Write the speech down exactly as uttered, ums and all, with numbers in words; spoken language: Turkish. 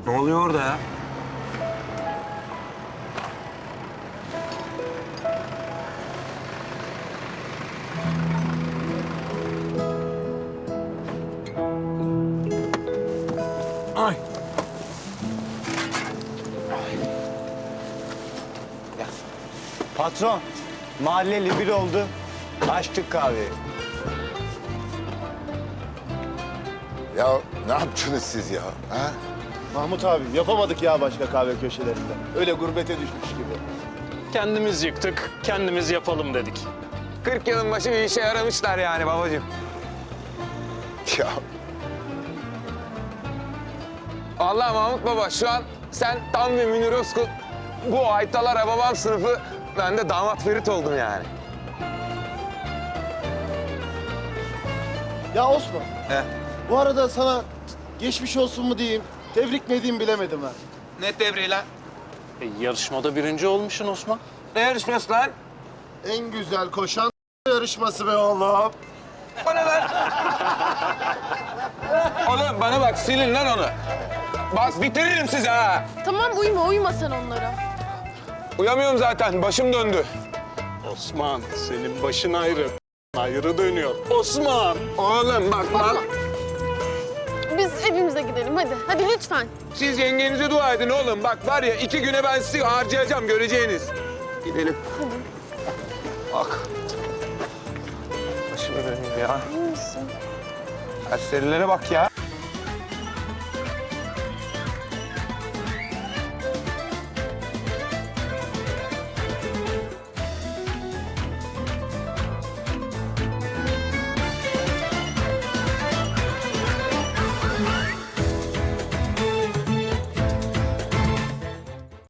Ne oluyor orada ya? Ay. Patron, mahalleli bir oldu. Açtık kahveyi. Ya ne yaptınız siz ya? Ha? Mahmut abi yapamadık ya başka kahve köşelerinde. Öyle gurbete düşmüş gibi. Kendimiz yıktık, kendimiz yapalım dedik. kırk yılın başı bir işe yaramışlar yani babacığım. Ya Vallahi Mahmut Baba şu an sen tam bir Münir Özkul. Bu Aytalar babam sınıfı. Ben de damat Ferit oldum yani. Ya Osman, He. bu arada sana geçmiş olsun mu diyeyim, tebrik mi edeyim bilemedim ha. Ne tebriği lan? E, yarışmada birinci olmuşsun Osman. Ne yarışması lan? En güzel koşan yarışması be oğlum. O ne lan? Oğlum bana bak silin lan onu. Bak bitiririm sizi ha. Tamam uyuma, uyuma sen onlara. Uyamıyorum zaten başım döndü. Osman, senin başın ayrı. Ayrı dönüyor. Osman! Oğlum bak lan. Biz evimize gidelim hadi. Hadi lütfen. Siz yengenize dua edin oğlum. Bak var ya iki güne ben sizi harcayacağım göreceğiniz. Gidelim. Bak. Başıma dönüyor ya. İyi misin? Serserilere bak ya.